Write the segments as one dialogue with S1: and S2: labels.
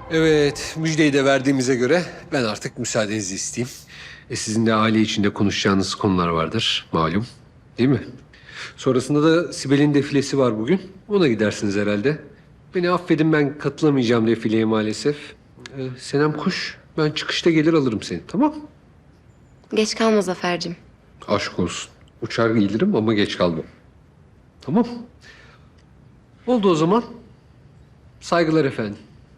S1: Evet, müjdeyi de verdiğimize göre ben artık müsaadenizi isteyeyim. Sizin de aile içinde konuşacağınız konular vardır malum, değil mi? Sonrasında da Sibel'in defilesi var bugün. Ona gidersiniz herhalde. Beni affedin, ben katılamayacağım defileye maalesef. Senem Kuş, ben çıkışta gelir alırım seni, tamam?
S2: Geç kalma Zafer'cim.
S1: Aşk olsun. Uçar gelirim ama geç kalmam. Tamam. Oldu o zaman. Saygılar efendim.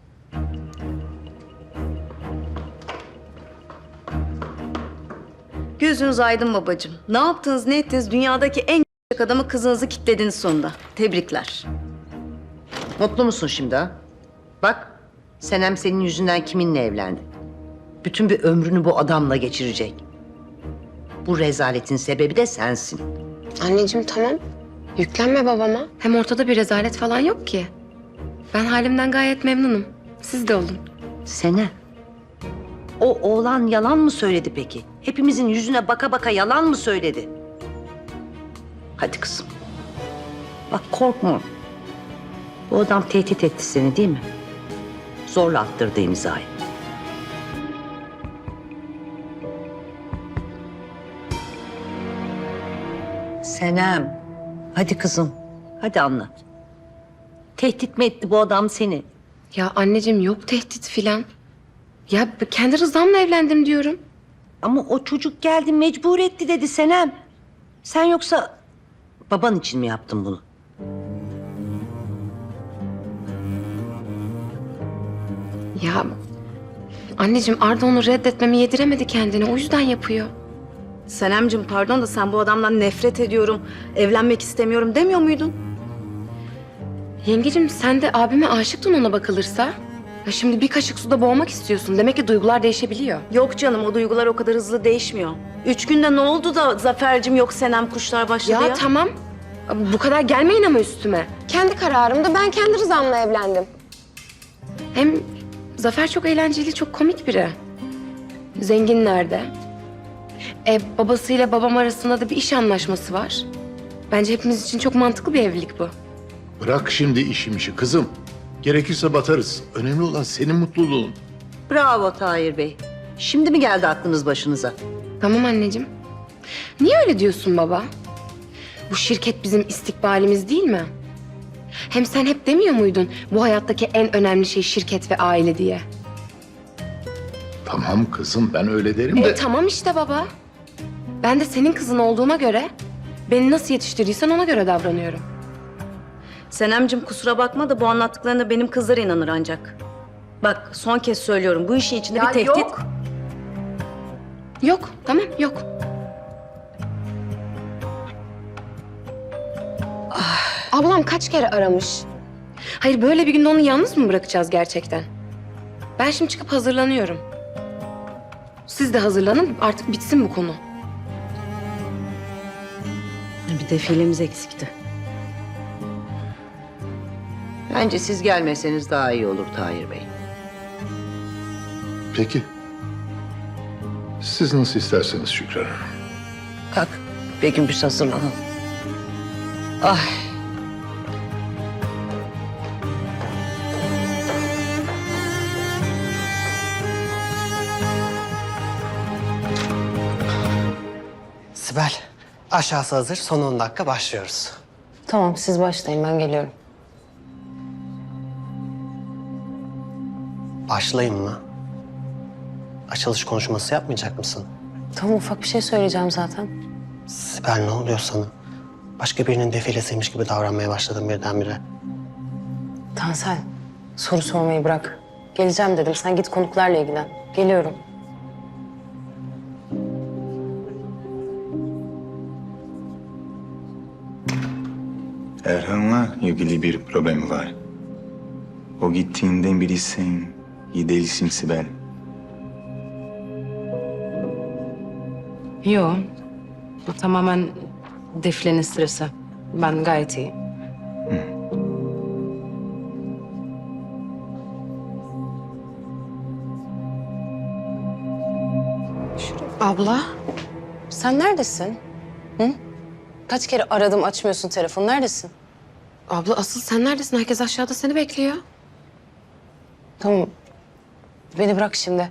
S3: Gözünüz aydın babacığım. Ne yaptınız, ne ettiniz? Dünyadaki en adamı kızınızı kitlediniz sonunda. Tebrikler.
S4: Mutlu musun şimdi ha? Bak, Senem senin yüzünden kiminle evlendi? Bütün bir ömrünü bu adamla geçirecek. Bu rezaletin sebebi de sensin.
S2: Anneciğim tamam. Yüklenme babama. Hem ortada bir rezalet falan yok ki. Ben halimden gayet memnunum. Siz de olun.
S4: Senem, o oğlan yalan mı söyledi peki? Hepimizin yüzüne baka baka yalan mı söyledi? Hadi kızım. Bak korkma. Bu adam tehdit etti seni değil mi? Zorla attırdı imzayı. Senem, hadi kızım. Hadi anlat. Tehdit mi etti bu adam seni?
S2: Ya anneciğim yok tehdit filan. Ya kendi rızamla evlendim diyorum.
S4: Ama o çocuk geldi mecbur etti dedi Senem. Sen yoksa baban için mi yaptın bunu?
S2: Ya anneciğim Arda onu reddetmemi yediremedi kendine. O yüzden yapıyor.
S3: Senemciğim pardon da sen bu adamdan nefret ediyorum, evlenmek istemiyorum demiyor muydun?
S2: Yengecim sen de abime aşıktın ona bakılırsa. Ya şimdi bir kaşık suda boğmak istiyorsun. Demek ki duygular değişebiliyor.
S3: Yok canım, o duygular o kadar hızlı değişmiyor. 3 günde ne oldu da Zafer'cim yok Senem kuşlar başladı ya?
S2: Ya tamam. Bu kadar gelmeyin ama üstüme. Kendi kararımda ben kendi rızamla evlendim. Hem Zafer çok eğlenceli, çok komik biri. Zengin nerede? Babasıyla babam arasında da bir iş anlaşması var. Bence hepimiz için çok mantıklı bir evlilik bu.
S5: Bırak şimdi işi kızım. Gerekirse batarız. Önemli olan senin mutluluğun.
S4: Bravo Tahir Bey. Şimdi mi geldi aklınız başınıza?
S2: Tamam anneciğim. Niye öyle diyorsun baba? Bu şirket bizim istikbalimiz değil mi? Hem sen hep demiyor muydun bu hayattaki en önemli şey şirket ve aile diye?
S5: Tamam kızım, ben öyle derim de...
S2: Tamam işte baba. Ben de senin kızın olduğuma göre beni nasıl yetiştirdiysen ona göre davranıyorum.
S3: Senemciğim kusura bakma da bu anlattıklarına benim kızlar inanır ancak. Bak son kez söylüyorum, bu işin içinde bir tehdit...
S2: Yok. Yok, tamam yok. Ablam kaç kere aramış. Hayır böyle bir günde onu yalnız mı bırakacağız gerçekten? Ben şimdi çıkıp hazırlanıyorum. Siz de hazırlanın artık bitsin bu konu.
S3: Bir defilemiz eksikti.
S4: Bence siz gelmeseniz daha iyi olur Tahir Bey.
S5: Peki. Siz nasıl isterseniz Şükran Hanım.
S4: Kalk. Begüm biz hazırlanalım. Ay.
S6: Sibel, aşağısı hazır. Son 10 dakika başlıyoruz.
S2: Tamam siz başlayın ben geliyorum.
S6: Başlayayım mı? Açılış konuşması yapmayacak mısın?
S2: Tamam ufak bir şey söyleyeceğim zaten.
S6: Sibel ne oluyor sana? Başka birinin defilesiymiş gibi davranmaya başladın birdenbire.
S2: Tansel soru sormayı bırak. Geleceğim dedim sen git konuklarla ilgilen. Geliyorum.
S7: Erhan'la ilgili bir problem var. O gittiğinden beri sen iyi değilsin Sibel.
S8: Yo, bu tamamen defilenin stresi. Ben gayet iyiyim.
S2: Abla sen neredesin? Hı? Kaç kere aradım açmıyorsun telefonu neredesin? Abla asıl sen neredesin? Herkes aşağıda seni bekliyor. Tamam
S8: Beni bırak şimdi.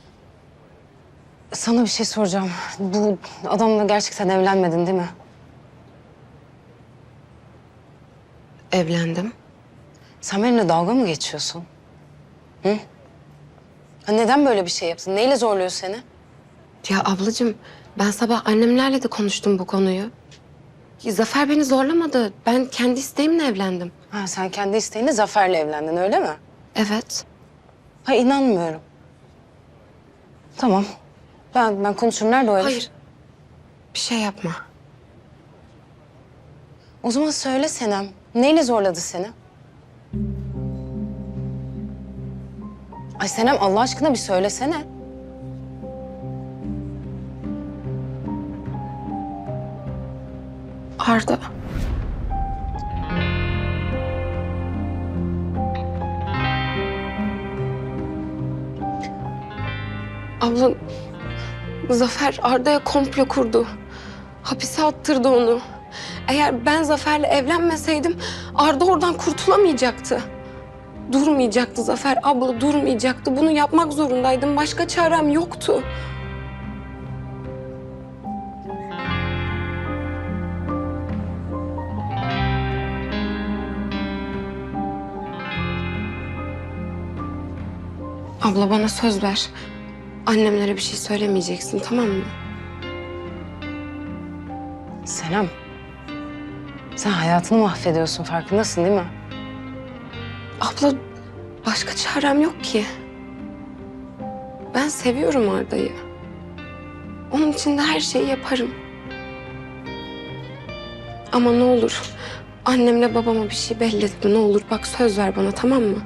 S8: Sana bir şey soracağım. Bu adamla gerçekten evlenmedin değil mi?
S2: Evlendim.
S8: Sen benimle dalga mı geçiyorsun? Hı? Ha, neden böyle bir şey yaptın? Neyle zorluyor seni?
S2: Ya ablacığım, ben sabah annemlerle de konuştum bu konuyu. Zafer beni zorlamadı. Ben kendi isteğimle evlendim.
S8: Ha, sen kendi isteğinle Zafer'le evlendin öyle mi?
S2: Evet.
S8: Ha, inanmıyorum. Tamam. Ben konuşurum. Nerede o herif?
S2: Hayır. Bir şey yapma.
S8: O zaman söyle Senem. Neyle zorladı seni? Ay Senem, Allah aşkına bir söylesene.
S2: Arda. Abla, Zafer Arda'ya komplo kurdu. Hapise attırdı onu. Eğer ben Zafer'le evlenmeseydim Arda oradan kurtulamayacaktı. Durmayacaktı Zafer abla, durmayacaktı. Bunu yapmak zorundaydım. Başka çarem yoktu. Abla bana söz ver. Annemlere bir şey söylemeyeceksin, tamam mı?
S8: Senem. Sen hayatını mahvediyorsun, farkındasın değil mi?
S2: Abla başka çarem yok ki. Ben seviyorum Arda'yı. Onun için de her şeyi yaparım. Ama ne olur annemle babama bir şey belli etme, ne olur. Bak söz ver bana, tamam mı?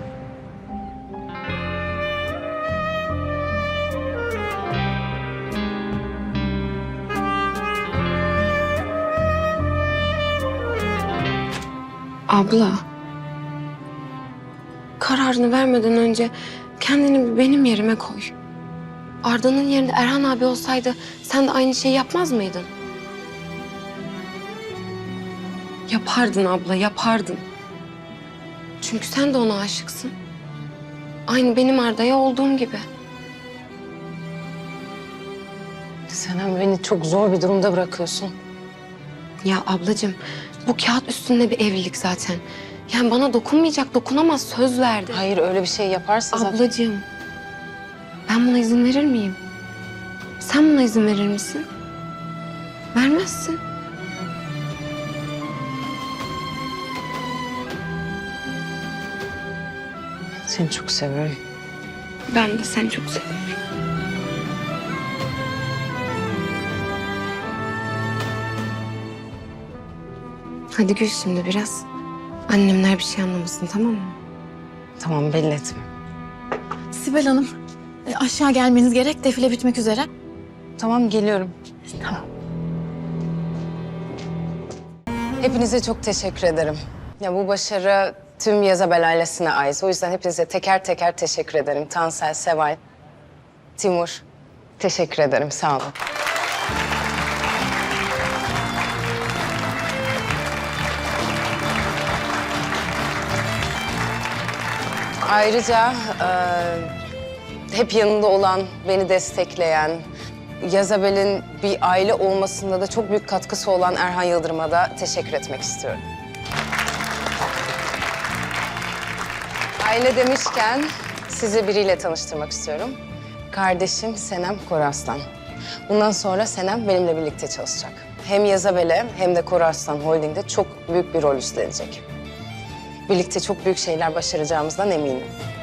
S2: Abla. Kararını vermeden önce kendini bir benim yerime koy. Arda'nın yerinde Erhan abi olsaydı sen de aynı şeyi yapmaz mıydın? Yapardın abla, yapardın. Çünkü sen de ona aşıksın. Aynı benim Arda'ya olduğum gibi.
S8: Senem, beni çok zor bir durumda bırakıyorsun.
S2: Ya ablacığım, bu kağıt üstünde bir evlilik zaten. Yani bana dokunmayacak, dokunamaz, söz verdi.
S8: Hayır, öyle bir şey yaparsa zaten...
S2: Ablacığım, ben buna izin verir miyim? Sen buna izin verir misin? Vermezsin.
S8: Seni çok seviyorum.
S2: Ben de seni çok seviyorum. Hadi gül şimdi biraz. Annemler bir şey anlamasın, tamam mı?
S8: Tamam, belli etme.
S9: Sibel Hanım, aşağı gelmeniz gerek. Defile bitmek üzere.
S8: Tamam, geliyorum. Hepinize çok teşekkür ederim. Ya bu başarı tüm Yazabel ailesine ait. O yüzden hepinize teker teker teşekkür ederim. Tansel, Seval, Timur. Teşekkür ederim, sağ olun. Ayrıca hep yanında olan, beni destekleyen, Yazabel'in bir aile olmasında da çok büyük katkısı olan Erhan Yıldırım'a da teşekkür etmek istiyorum. Aile demişken sizi biriyle tanıştırmak istiyorum. Kardeşim Senem Koraslan. Bundan sonra Senem benimle birlikte çalışacak. Hem Yazabel'e hem de Koraslan Holding'de çok büyük bir rol üstlenecek. Birlikte çok büyük şeyler başaracağımızdan eminim.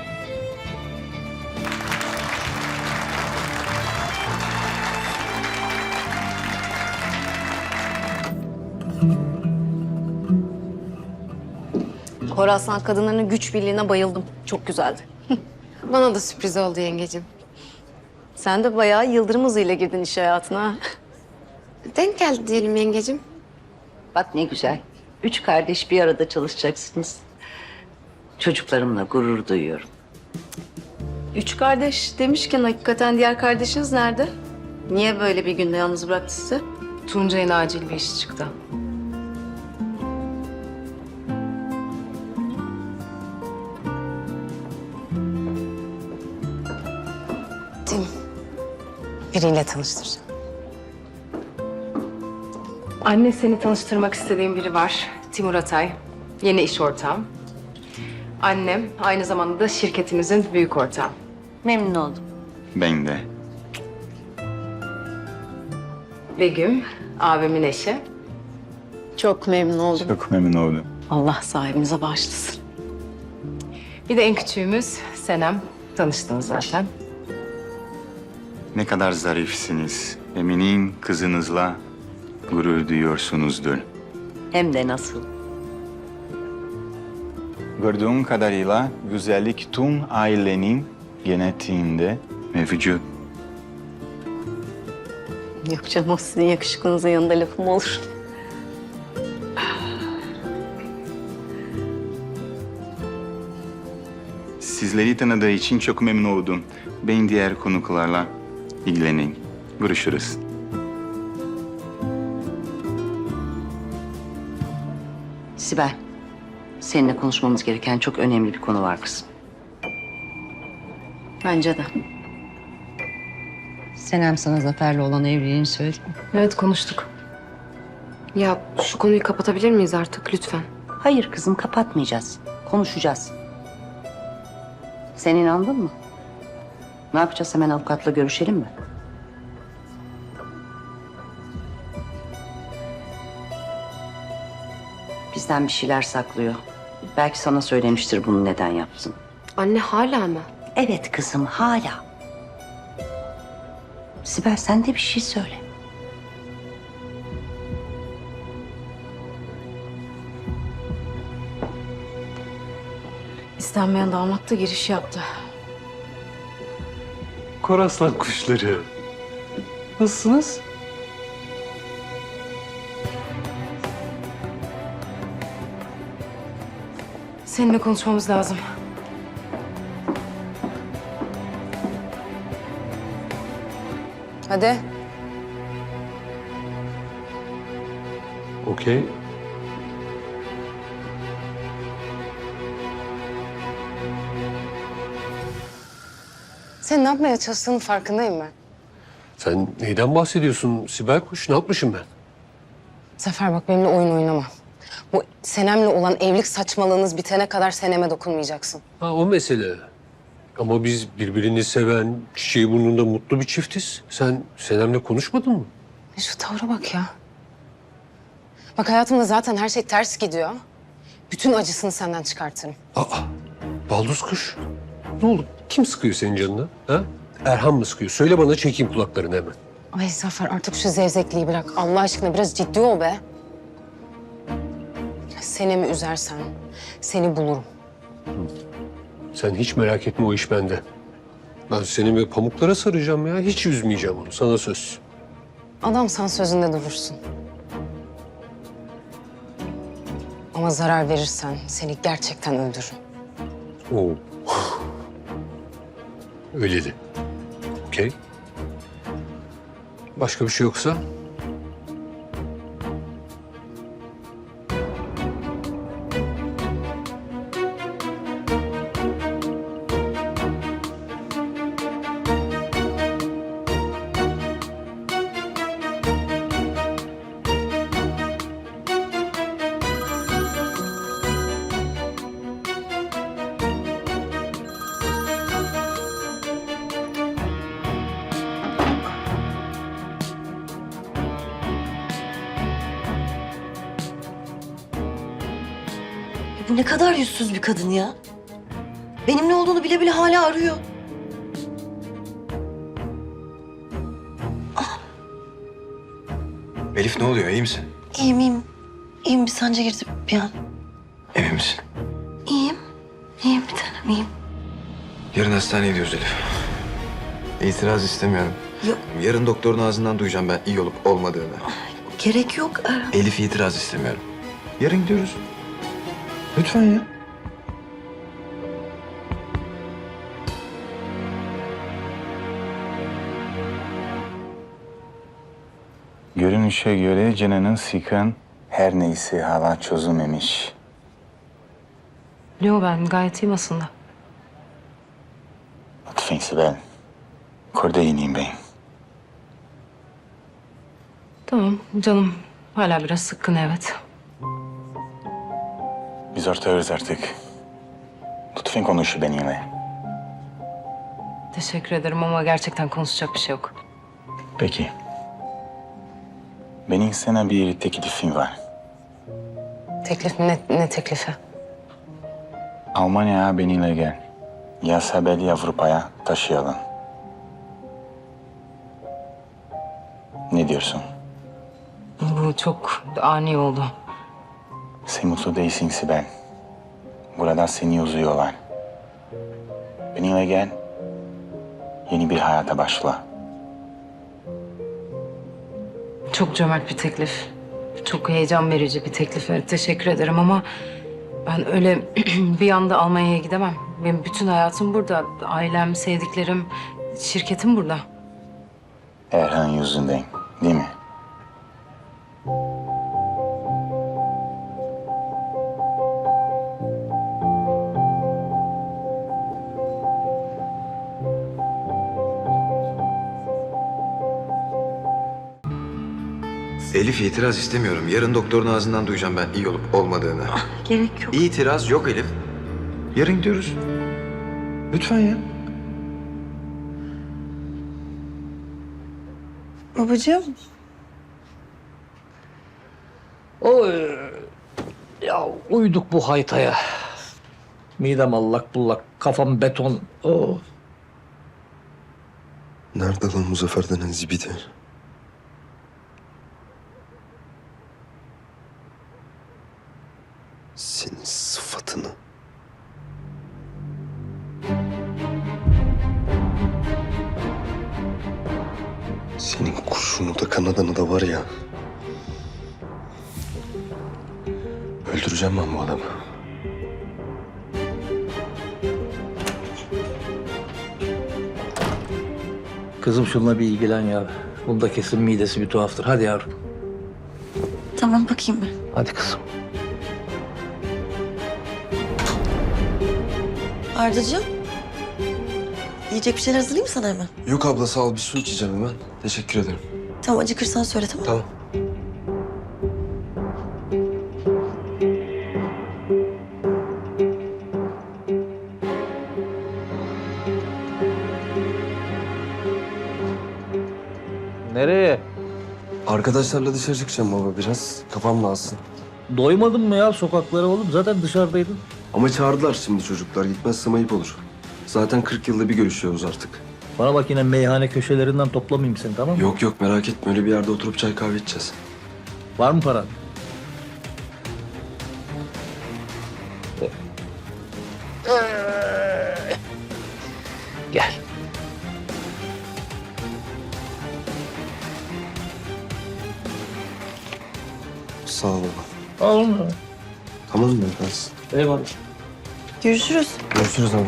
S3: Horasan kadınlarının güç birliğine bayıldım. Çok güzeldi.
S2: Bana da sürpriz oldu yengecim.
S3: Sen de bayağı yıldırım hızıyla girdin iş hayatına.
S2: Denk geldi diyelim yengecim.
S4: Bak ne güzel. 3 kardeş bir arada çalışacaksınız. Çocuklarımla gurur duyuyorum.
S3: 3 kardeş demişken hakikaten diğer kardeşiniz nerede? Niye böyle bir günde yalnız bıraktı sizi?
S8: Tuncay'ın acil bir işi çıktı. Tim, biriyle tanıştıracağım.
S2: Anne, seni tanıştırmak istediğim biri var. Timur Atay. Yeni iş ortağım. Annem aynı zamanda da şirketimizin büyük ortağı.
S4: Memnun oldum.
S7: Ben de.
S2: Begüm, abimin eşi.
S8: Çok memnun oldum.
S7: Çok memnun oldum.
S8: Allah sahibinize bağışlasın.
S2: Bir de en küçüğümüz Senem. Tanıştınız zaten.
S7: Ne kadar zarifsiniz. Eminim kızınızla gurur duyuyorsunuzdur.
S4: Hem de nasıl?
S7: Gördüğüm kadarıyla güzellik tüm ailenin genetiğinde mevcut.
S8: Yok canım, o sizin yakışıklınızın yanında lafım olur.
S7: Sizleri tanıdığı için çok memnun oldum. Ben diğer konuklarla ilgileneyim. Görüşürüz.
S4: Sibel, seninle konuşmamız gereken çok önemli bir konu var kızım.
S8: Bence de.
S4: Senem sana Zafer'le olan evliliğini söyledi mi?
S2: Evet, konuştuk. Ya şu konuyu kapatabilir miyiz artık lütfen?
S4: Hayır kızım, kapatmayacağız. Konuşacağız. Sen inandın mı? Ne yapacağız? Hemen avukatla görüşelim mi? Bizden bir şeyler saklıyor. Belki sana söylemiştir bunu neden yaptın.
S2: Anne, hala mı?
S4: Evet kızım, hala. Sibel, sen de bir şey söyle.
S2: İstenmeyen damat da giriş yaptı.
S1: Koraslan kuşları. Nasılsınız?
S2: Seninle konuşmamız lazım.
S8: Hadi.
S1: Okey.
S8: Sen ne yapmaya çalıştığının farkındayım ben.
S1: Sen neyden bahsediyorsun Sibel Kuş? Ne yapmışım ben?
S8: Zafer bak, benimle oyun oynama. Bu Senem'le olan evlilik saçmalığınız bitene kadar Senem'e dokunmayacaksın.
S1: Ha, o mesele. Ama biz birbirini seven, çiçeği burnunda mutlu bir çiftiz. Sen Senem'le konuşmadın mı?
S8: Şu tavra bak ya. Bak, hayatımda zaten her şey ters gidiyor. Bütün acısını senden çıkartırım.
S1: Aa, baldız kuş. Ne oldu? Kim sıkıyor senin canını? Ha? Erhan mı sıkıyor? Söyle bana, çekeyim kulaklarını hemen.
S8: Ay Zafer, artık şu zevzekliği bırak. Allah aşkına biraz ciddi ol be. Senem'i üzersen seni bulurum.
S1: Sen hiç merak etme, o iş bende. Ben seni böyle pamuklara saracağım ya. Hiç üzmeyeceğim onu. Sana söz.
S8: Adamsan sözünde durursun. Ama zarar verirsen seni gerçekten öldürürüm.
S1: Oo. Öyle de. Okey. Başka bir şey yoksa?
S10: Bu ne kadar yüzsüz bir kadın ya. Benim ne olduğunu bile bile hala arıyor.
S11: Elif, ne oluyor? İyi misin?
S10: İyiyim, iyiyim. İyiyim, bir sancı girdi bir an.
S11: Emin misin?
S10: İyiyim. İyiyim bir tanem, iyiyim.
S11: Yarın hastaneye gidiyoruz Elif. İtiraz istemiyorum.
S10: Yok.
S11: Yarın doktorun ağzından duyacağım ben iyi olup olmadığını.
S10: Gerek yok Erhan.
S11: Elif, itiraz istemiyorum. Yarın gidiyoruz. Lütfen ya.
S7: Görünüşe göre canının sıkan her neyse hala çözülmemiş.
S2: Yo, ben gayet iyiyim aslında.
S7: Lütfen Sibel. Kordeyniyim beyim.
S2: Tamam canım. Hala biraz sıkkın evet.
S7: Biz ortağız artık. Lütfen konuş benimle.
S2: Teşekkür ederim ama gerçekten konuşacak bir şey yok.
S7: Peki. Benim sana bir teklifim var.
S8: Teklif mi? Ne teklifi?
S7: Almanya'ya benimle gel. Ya Sibel'i Avrupa'ya taşıyalım. Ne diyorsun?
S2: Bu çok ani oldu.
S7: Sen mutlu değilsin Sibel. Burada seni üzüyorlar. Benimle gel. Yeni bir hayata başla.
S2: Çok cömert bir teklif. Çok heyecan verici bir teklif. Evet, teşekkür ederim ama ben öyle bir anda Almanya'ya gidemem. Benim bütün hayatım burada. Ailem, sevdiklerim, şirketim burada.
S7: Erhan yüzünden, değil mi?
S11: Elif itiraz istemiyorum. Yarın doktorun ağzından duyacağım ben iyi olup olmadığını.
S10: Gerek yok.
S11: İtiraz yok Elif. Yarın gidiyoruz. Lütfen ya.
S10: Babacığım.
S12: Oy. Ya uyduk bu haytaya. Midem allak bullak, kafam beton. Oh.
S11: Nerede lan Muzaffer denen zibidi? Senin sıfatını. Senin kurşunu da kanadanı da var ya. Öldüreceğim ben bu adamı.
S12: Kızım şununla bir ilgilen ya. Bunda kesin midesi bir tuhaftır. Hadi yavrum.
S10: Tamam bakayım ben.
S12: Hadi kızım.
S10: Ardacığım. Yiyecek bir şeyler hazırlayayım mı sana hemen?
S11: Yok abla sağ ol bir su içeceğim hemen. Teşekkür ederim.
S10: Tamam acıkırsan söyle tamam mı?
S11: Tamam.
S12: Nereye?
S11: Arkadaşlarla dışarı çıkacağım baba biraz. Kafam dağılsın.
S12: Doymadın mı ya sokaklara oğlum? Zaten dışarıdaydın.
S11: Ama çağırdılar şimdi çocuklar. Gitmezsem ayıp olur. Zaten 40 yılda bir görüşüyoruz artık.
S12: Bana bak yine meyhane köşelerinden toplamayayım seni tamam mı?
S11: Yok yok merak etme. Öyle bir yerde oturup çay kahve içeceğiz.
S12: Var mı paran? Gel.
S11: Sağ ol baba.
S12: Al mı?
S11: Tamam mı efendim?
S12: Eyvallah.
S10: Görüşürüz.
S11: Görüşürüz abi.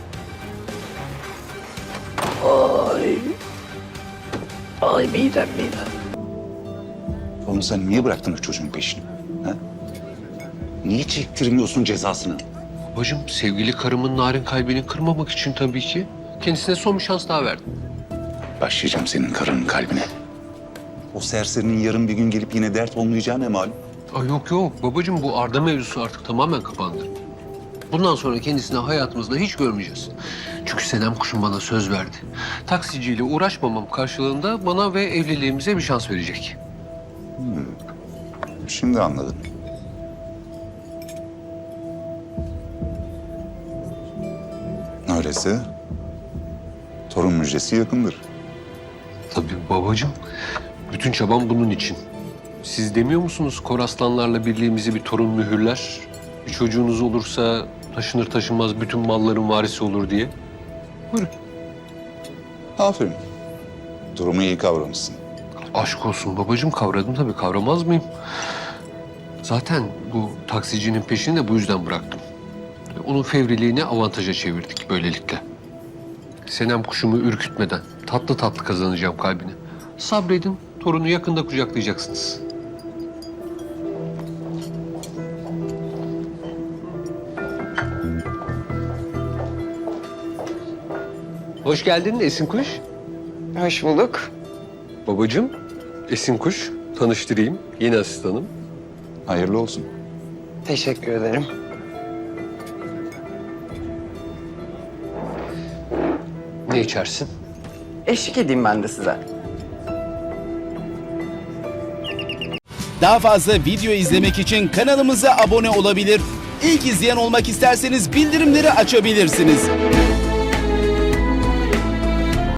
S12: Ay midem.
S13: Oğlum sen niye bıraktın o çocuğun peşini? Ha? Niye çektirmiyorsun cezasını?
S1: Babacığım sevgili karımın narin kalbini kırmamak için tabii ki. Kendisine son bir şans daha verdim.
S13: Başlayacağım senin karının kalbine. O serserinin yarın bir gün gelip yine dert olmayacağı ne malum?
S1: Ay yok yok babacığım bu Arda mevzusu artık tamamen kapandı. Bundan sonra kendisini hayatımızda hiç görmeyeceğiz. Çünkü Senem kuşum bana söz verdi. Taksiciyle uğraşmamam karşılığında bana ve evliliğimize bir şans verecek.
S13: Şimdi anladım. Öyleyse torun müjdesi yakındır.
S1: Tabii babacığım. Bütün çabam bunun için. Siz demiyor musunuz Koraslanlarla birliğimizi bir torun mühürler? Bir çocuğunuz olursa taşınır taşınmaz bütün malların varisi olur diye. Buyurun.
S13: Aferin. Durumu iyi kavramışsın.
S1: Aşk olsun babacığım kavradım tabii kavramaz mıyım? Zaten bu taksicinin peşini de bu yüzden bıraktım. Onun fevriliğini avantaja çevirdik böylelikle. Senem kuşumu ürkütmeden tatlı tatlı kazanacağım kalbini. Sabredin, torunu yakında kucaklayacaksınız. Hoş geldin Esin Kuş.
S8: Hoş bulduk.
S1: Babacığım, Esin Kuş. Tanıştırayım. Yeni asistanım.
S13: Hayırlı olsun.
S8: Teşekkür ederim.
S1: Ne içersin?
S8: Eşlik edeyim ben de size.
S14: Daha fazla video izlemek için kanalımıza abone olabilir. İlk izleyen olmak isterseniz bildirimleri açabilirsiniz.